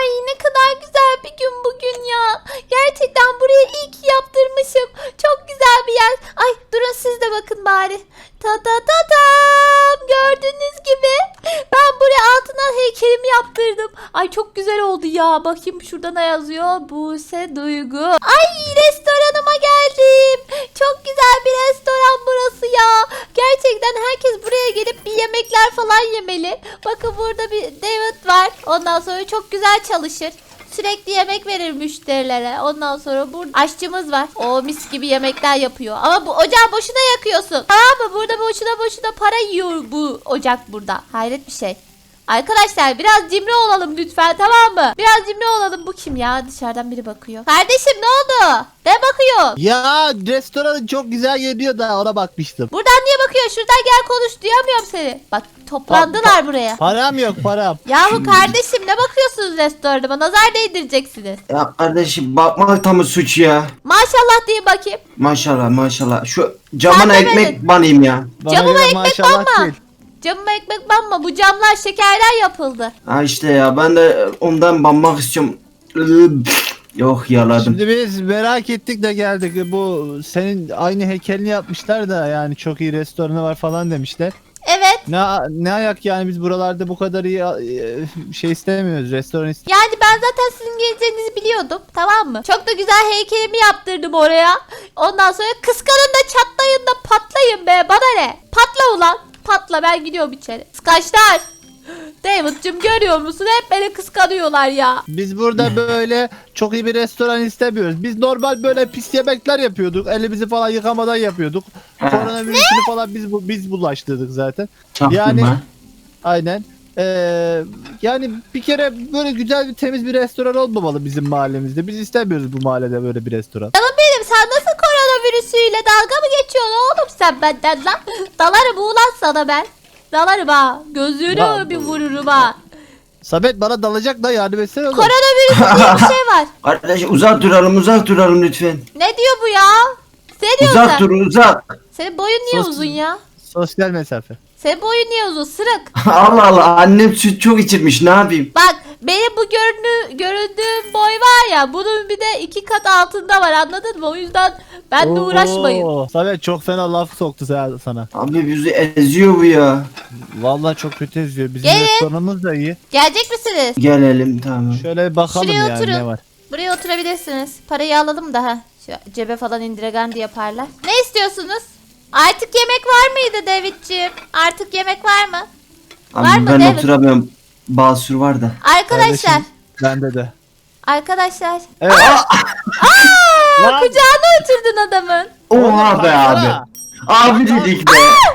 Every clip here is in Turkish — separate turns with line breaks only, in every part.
Ay ne kadar güzel bir gün bugün ya. Gerçekten burayı iyi ki yaptırmışım. Çok güzel bir yer. Ay durun siz de bakın bari. Ta ta ta tam. Gördüğünüz gibi ben buraya altına heykelimi yaptırdım. Ay çok güzel oldu ya. Bakayım şurada ne yazıyor? Buse Duygu. Ay restoranıma geldim. Çok güzel bir restoran burası ya. Gerçekten herkes buraya gelip bir yemekler falan yemeli. Bakın burada bir David var. Ondan sonra çok güzel çalışır. Sürekli yemek verir müşterilere. Ondan sonra burada aşçımız var. O mis gibi yemekler yapıyor. Ama bu ocağı boşuna yakıyorsun. Tamam mı? Burada boşuna para yiyor bu ocak burada. Hayret bir şey. Arkadaşlar biraz cimri olalım lütfen, tamam mı? Biraz cimri olalım. Bu kim ya? Dışarıdan biri bakıyor. Kardeşim ne oldu? Ne bakıyor?
Ya restoran çok güzel geliyor da ona bakmıştım.
Buradan niye bakıyor? Şuradan gel konuş. Duyamıyorum seni. Bak toplandılar buraya.
Param yok param.
Yahu kardeşim ne bakıyorsunuz restoranıma? Nazar değdireceksiniz.
Ya kardeşim bakmak da mı suç ya?
Maşallah diye bakayım.
Maşallah maşallah. Şu camına
Sen
ekmek
demedin.
banayım ya.
Bana
Camıma
göre
ekmek
maşallah
banma.
değil.
Camıma ekmek banma. Bu camlar şekerden yapıldı.
Ha işte ya ben de ondan banmak istiyorum. Yok yaladım.
Şimdi biz merak ettik de geldik. Bu senin aynı heykelini yapmışlar da yani çok iyi restoranı var falan demişler.
Evet.
Ne ayak yani biz buralarda bu kadar iyi şey istemiyoruz. Restoran istemiyoruz.
Yani ben zaten sizin geleceğinizi biliyordum. Tamam mı? Çok da güzel heykelimi yaptırdım oraya. Ondan sonra kıskanın da çatlayın da patlayın be. Bana ne? Patla ulan. Patla, ben gidiyorum içeri. Kıskaçlar. David'cim görüyor musun? Hep beni kıskanıyorlar ya.
Biz burada böyle çok iyi bir restoran istemiyoruz. Biz normal böyle pis yemekler yapıyorduk. Elimizi falan yıkamadan yapıyorduk. Koronavirüsünü falan biz bulaştırdık zaten. Yani
Çaktırma.
aynen. Yani bir kere böyle güzel bir temiz bir restoran olmamalı bizim mahallemizde. Biz istemiyoruz bu mahallede böyle bir restoran.
Canım benim, sen nasıl koronavirüsüyle dalga mı geçiyorsun oğlum sen benden lan? Dalarım ulan sana ben. Dalarım ha. Gözünü
Ya,
bir vururum ha.
Samet bana dalacak da yardım etsene oğlum.
Koronavirüs diye bir şey var.
Kardeş uzak duralım lütfen.
Ne diyor bu ya? Ne diyorsun
Uzak
sen?
dur uzak.
Senin boyun niye
Sos-
uzun ya?
Sosyal mesafe.
Senin boyun niye uzun? Sırık.
Allah Allah annem süt çok içirmiş ne yapayım?
Bak benim bu göründüğüm boy var ya, bunun bir de 2 kat altında var, anladın mı? O yüzden benimle uğraşmayın.
Oo, Samet çok fena laf soktu sana.
Abi bizi eziyor bu ya.
Vallahi çok kötü eziyor. Bizim
Gelin.
restoranımız da iyi.
Gelecek misiniz?
Gelelim tamam.
Şöyle bir bakalım
Şuraya
yani
oturun.
ne var.
Buraya oturabilirsiniz. Parayı alalım da ha. Şu cebe falan indiregendi yaparlar. Ne istiyorsunuz? Artık yemek var mıydı David'ciğim? Artık yemek var mı?
Abi
Var mı
ben
David?
oturamıyorum. Basur var da.
Arkadaşlar.
Kardeşim, bende de.
Arkadaşlar.
Evet. Lan!
Kucağına oturdun adamın.
Oha be abi.
Baksana.
Abi dedik be.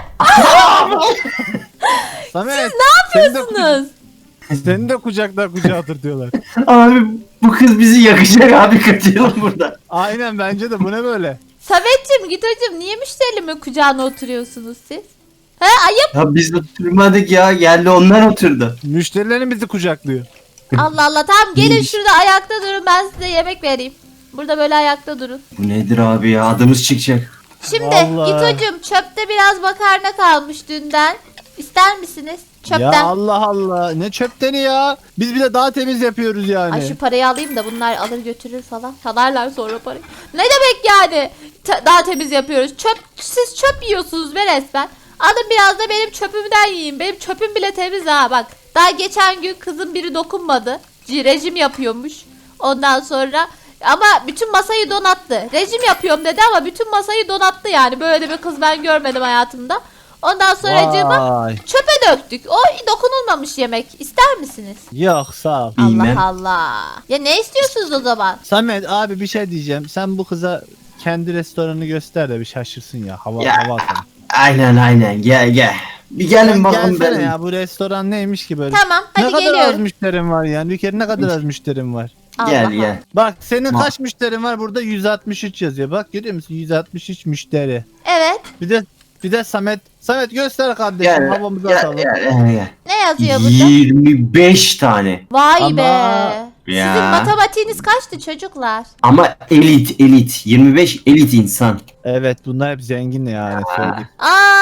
Samet,
Ne yapıyorsunuz?
Seni de kucaklar kucağa otur diyorlar.
Abi bu kız bizi yakacak abi kaçıralım burada.
Aynen bence de bu ne böyle?
Samet'cim, Gito'cum, niye müşterimin kucağına oturuyorsunuz siz? He ayıp.
Ya biz oturmadık ya geldi onlar oturdu.
Müşterilerin bizi kucaklıyor.
Allah Allah, tamam gelin
İyiymiş.
şurada ayakta durun, ben size yemek vereyim. Burada böyle ayakta durun.
Bu nedir abi ya adımız çıkacak.
Şimdi
Vallahi.
Gito'cum, çöpte biraz makarna kalmış dünden. İster misiniz?
Ya
Çöpten.
Allah Allah ne çöpteni ya. Biz bir de daha temiz yapıyoruz yani.
Ay şu parayı alayım da bunlar alır götürür falan. Çalarlar sonra parayı. Ne demek yani? Daha temiz yapıyoruz. Siz çöp yiyorsunuz be resmen. Alın biraz da benim çöpümden yiyin. Benim çöpüm bile temiz ha bak. Daha geçen gün kızın biri dokunmadı. Rejim yapıyormuş. Ondan sonra ama bütün masayı donattı. Rejim yapıyorum dedi ama bütün masayı donattı yani. Böyle bir kız ben görmedim hayatımda. Ondan sonra
Vay.
çöpe döktük. O dokunulmamış yemek. İster misiniz?
Yok sağ ol.
Bilmem.
Allah Allah. Ya ne istiyorsunuz o zaman?
Samet abi bir şey diyeceğim. Sen bu kıza kendi restoranını göster de bir şaşırsın ya. Hava
Ya.
hava atalım.
Aynen gel. Bir gelin bakalım
Gelsene
benim.
ya bu restoran neymiş ki böyle?
Tamam
Ne
hadi
kadar az
geliyorum.
müşterim var yani. Bir kere ne kadar az müşterim var.
Gel
Allah
gel.
Bak senin
Ma-
kaç müşterin var burada 163 yazıyor. Bak görüyor musun 163 müşteri.
Evet.
Bir de Samet göster kardeşim
Gel.
havamızı
Gel,
atalım.
gel.
Ne yazıyor burada?
25 tane.
Vay
Ama-
be.
Ya.
Sizin matematiğiniz kaçtı çocuklar?
Ama elit. 25 elit insan.
Evet bunlar hep zengin yani söyleyeyim.
Aa,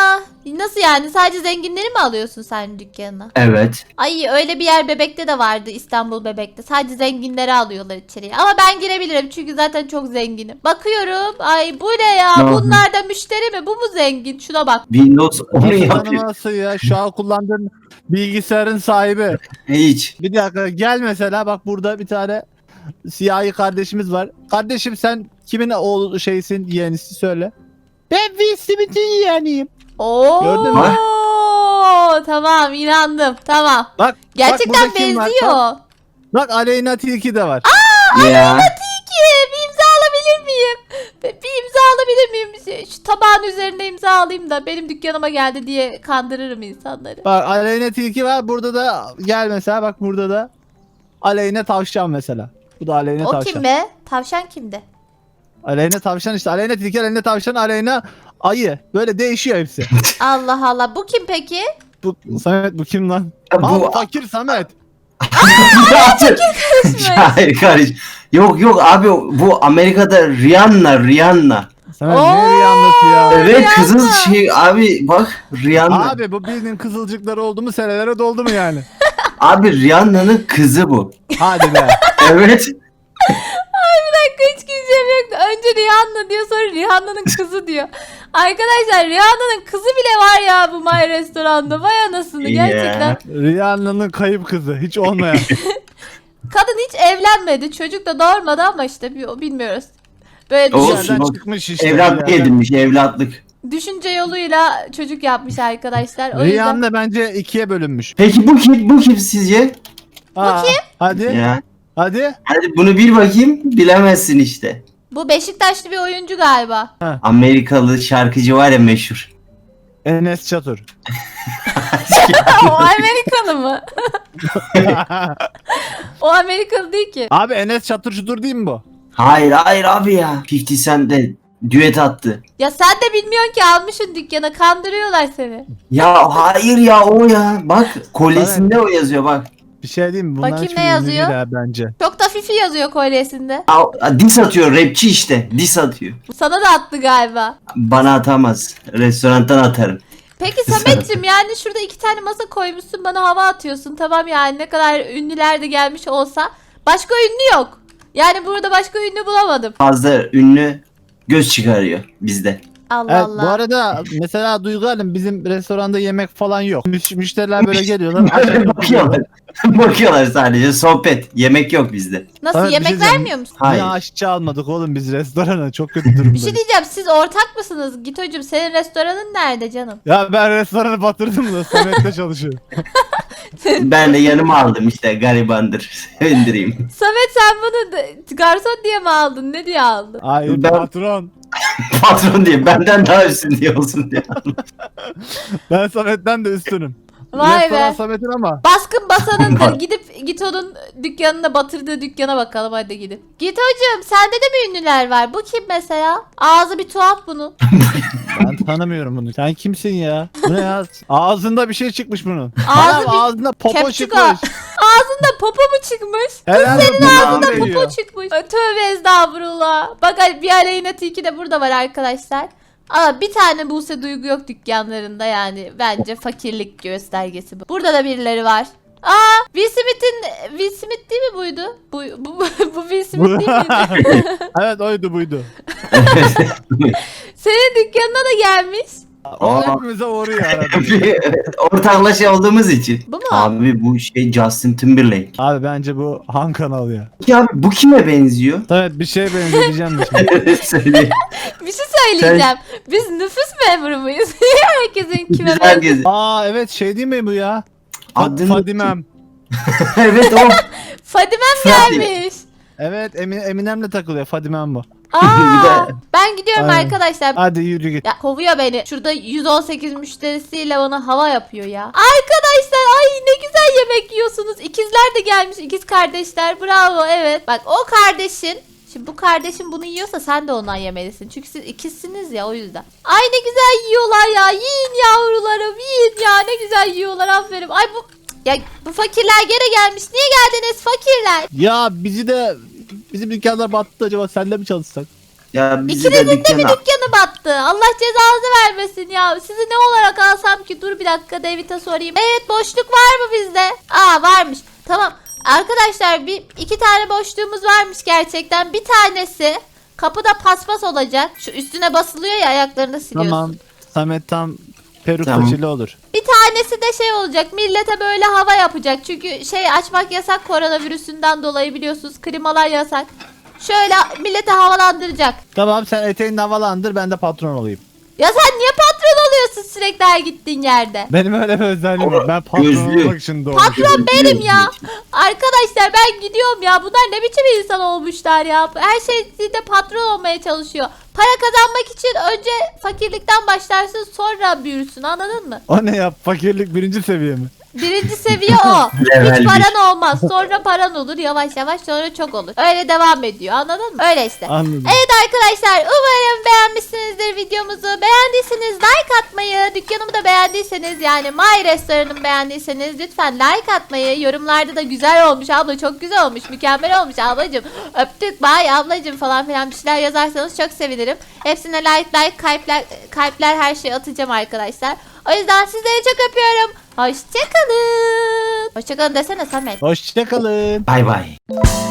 Nasıl yani? Sadece zenginleri mi alıyorsun sen dükkanına?
Evet.
Ay öyle bir yer Bebek'te de vardı, İstanbul Bebek'te. Sadece zenginleri alıyorlar içeriye. Ama ben girebilirim çünkü zaten çok zenginim. Bakıyorum. Ay bu ne ya?
Ne
Bunlar da müşteri mi? Bu mu zengin? Şuna bak.
Windows 10
Nasıl
yapıyor.
tanıması ya? Şu an kullandığın bilgisayarın sahibi.
Hiç.
Bir dakika gel mesela bak burada bir tane siyahi kardeşimiz var. Kardeşim sen kimin oğlu şeysin yeğenisi söyle. Ben Will Smith'in yeğeniyim.
Oo.
Gördün mü?
Tamam inandım. Tamam.
Bak
Gerçekten
burada kim var?
benziyor.
Bak Aleyna Tilki de var.
Ya.
Peki bir imza alabilir miyim? Bir imza alabilir miyim? Şu tabağın üzerine imza alayım da benim dükkanıma geldi diye kandırırım insanları.
Bak Aleyna Tilki var. Burada da gel mesela bak burada da Aleyna Tavşan mesela. Bu da Aleyna
O
Tavşan.
kim be? Tavşan kimde?
Aleyna Tavşan işte. Aleyna Tilki, Aleyna Tavşan, Aleyna Ayı. Böyle değişiyor hepsi.
Allah Allah. Bu kim peki?
Bu Samet bu kim lan?
Bu-
Aa, fakir Samet.
Hayır kardeş. Yok abi bu Amerika'da Rihanna.
Samet
Oo.
nereye anlatıyor?
Evet
Rihanna.
kızıl şey abi bak Rihanna.
Abi bu bildiğin kızılcıkları oldu mu senelere doldu mu yani?
Abi Rihanna'nın kızı bu.
Hadi be.
Evet.
Hiç güleceğim yoktu. Önce Rihanna diyor, sonra Rihanna'nın kızı diyor. Arkadaşlar Rihanna'nın kızı bile var ya bu My Restoran'da. Vay anasını gerçekten.
Rihanna'nın kayıp kızı hiç olmayan.
Kadın hiç evlenmedi. Çocuk da doğurmadı ama işte bilmiyoruz. Böyle
Olsun,
Dışarıdan
olsun.
çıkmış işte.
Evlatlık edinmiş evlatlık.
düşünce yoluyla çocuk yapmış arkadaşlar. O yüzden.
Rihanna bence ikiye bölünmüş.
Peki bu kim sizce?
Aa, Hadi.
Ya.
Hadi.
Hadi bunu bir bakayım bilemezsin işte.
Bu Beşiktaşlı bir oyuncu galiba.
Amerikalı şarkıcı var ya meşhur.
Enes Çatur.
O Amerikalı mı? O Amerikalı değil ki.
Abi Enes Çatur şudur değil mi bu?
Hayır abi ya. 50 Cent de düet attı.
Ya sen de bilmiyorsun ki almışsın dükkana. Kandırıyorlar seni.
Ya hayır ya o ya. Bak kolyesinde o yazıyor bak.
Bir şey diyeyim mi? Bunlar
Bakayım
hiçbir
ne
ünlü
yazıyor?
değil ha bence.
Çok da fifi yazıyor kolyesinde.
Diss atıyor rapçi işte. Diss atıyor.
Sana da attı galiba.
Bana atamaz. Restorandan atarım.
Peki Samet'cim yani şurada 2 tane masa koymuşsun bana hava atıyorsun. Tamam yani ne kadar ünlüler de gelmiş olsa. Başka ünlü yok. Yani burada başka ünlü bulamadım.
Fazla ünlü göz çıkarıyor bizde.
Allah
Evet,
Allah.
bu arada mesela Duygu Hanım bizim restoranda yemek falan yok. Müşteriler böyle geliyorlar.
Bakıyorlar. Bakıyorlar sadece sohbet. Yemek yok bizde.
Nasıl
Samet, bir
yemek
şey diyeceğim.
vermiyor musun?
Hayır.
Niye aşçı almadık oğlum biz restorana? Çok kötü durumdayız.
Bir şey diyeceğim siz ortak mısınız? Gito'cum senin restoranın nerede canım?
Ya ben restoranı batırdım da Samet'te çalışıyorum.
Ben de yanıma aldım işte garibandır. Sevindireyim.
Samet sen bunu garson diye mi aldın? Ne diye aldın?
Hayır
Ben-
patron.
Patron diye benden daha üstün diye olsun diye aldım.
Ben Samet'ten de üstünüm.
Vay
Restoran
be.
Samet'in ama.
Baskın basanındır. Gidip Gito'nun dükkanına batırdığı dükkana bakalım hadi gidip. Gito'cum sende de mi ünlüler var? Bu kim mesela? Ağzı bir tuhaf bunun.
Ben tanımıyorum bunu. Sen kimsin ya? Bu ne ya? Ağzında bir şey çıkmış bunun.
Ağzı
Anam,
bir
ağzında popo
kepçük
çıkmış.
Ağzında popo mu çıkmış?
Herhalde
senin
bundan
ağzında
geliyor.
Popo çıkmış. Ay, tövbe estağfurullah. Bak bir Aleyna Tilki de burada var arkadaşlar. Ama bir tane Buse Duygu yok dükkanlarında yani. Bence fakirlik göstergesi bu. Burada da birileri var. Aa, Will Smith değil mi buydu? Bu Will Smith değil miydi?
Evet oydu buydu.
Senin dükkanına da gelmiş.
O
Aa.
hepimize uğruyor arada.
Ortaklaşa olduğumuz için.
Bu mu?
Abi bu şey Justin Timberlake.
Abi bence bu Han kanalı ya.
Ya abi bu kime benziyor?
Evet bir şey benzeyeceğim de şimdi.
Söyle.
Bir şey söyleyeceğim. Biz nüfus memuru muyuz? Herkesin kime
Biz
benziyor?
herkes.
Aa evet şey değil mi bu ya?
Adını-
Fadimem.
Evet o.
Fadimem
Fadime.
gelmiş.
Evet Eminem'le takılıyor Fadimem bu.
Bir
Aa,
de-
ben gidiyorum
Aynen.
arkadaşlar.
Hadi yürü git.
Ya kovuyor beni. Şurada 118 müşterisiyle bana hava yapıyor ya. Arkadaşlar ay ne güzel yemek yiyorsunuz. İkizler de gelmiş. İkiz kardeşler. Bravo evet. Bak o kardeşin. Şimdi bu kardeşin bunu yiyorsa sen de ondan yemelisin. Çünkü siz ikizsiniz ya o yüzden. Ay ne güzel yiyorlar ya. Yiyin yavrularım yiyin ya. Ne güzel yiyorlar aferin. Ay bu fakirler gene gelmiş. Niye geldiniz fakirler?
Ya bizim dükkanlar battı acaba senle mi çalışsak?
Ya bizi de
İkinizin de bir
dükkana...
dükkanı battı. Allah cezanızı vermesin ya. Sizi ne olarak alsam ki? Dur bir dakika David'e sorayım. Evet, boşluk var mı bizde? Aa, varmış. Tamam. Arkadaşlar iki tane boşluğumuz varmış gerçekten. Bir tanesi kapıda paspas olacak. Şu üstüne basılıyor ya, ayaklarını siliyorsun.
Tamam. Samet tam peruk
Tamam.
saçıyla olur.
Bir tanesi de şey olacak. Millete böyle hava yapacak. Çünkü şey açmak yasak koronavirüsünden dolayı, biliyorsunuz. Klimalar yasak. Şöyle millete havalandıracak.
Tamam, sen eteğini havalandır, ben de patron olayım.
Ya sen niye patron oluyorsun sürekli her gittiğin yerde?
Benim öyle bir özelliğim var. Ben patron
Gözlü.
olmak için doğmuşum.
Patron benim ya. Arkadaşlar ben gidiyorum ya. Bunlar ne biçim insan olmuşlar ya. Her şeyde patron olmaya çalışıyor. Para kazanmak için önce fakirlikten başlarsın, sonra büyürsün, anladın mı?
O ne ya? Fakirlik birinci seviye mi?
Birinci seviye o.
Level
Hiç
bir.
paran olmaz. Sonra paran olur. Yavaş yavaş sonra çok olur. Öyle devam ediyor. Anladın mı? Öyle işte.
Anladım.
Evet arkadaşlar, umarım beğenmişsinizdir videomuzu. Beğendiyseniz like atmayı, dükkanımı da beğendiyseniz, yani My Restoran'ımı beğendiyseniz lütfen like atmayı, yorumlarda da güzel olmuş abla, çok güzel olmuş, mükemmel olmuş ablacım, öptük bay ablacım falan filan bir şeyler yazarsanız çok sevinirim. Hepsine like kalpler her şeyi atacağım arkadaşlar. O yüzden sizleri çok öpüyorum. Hoşçakalın. Hoşçakalın desene Samet.
Hoşçakalın.
Bay bay.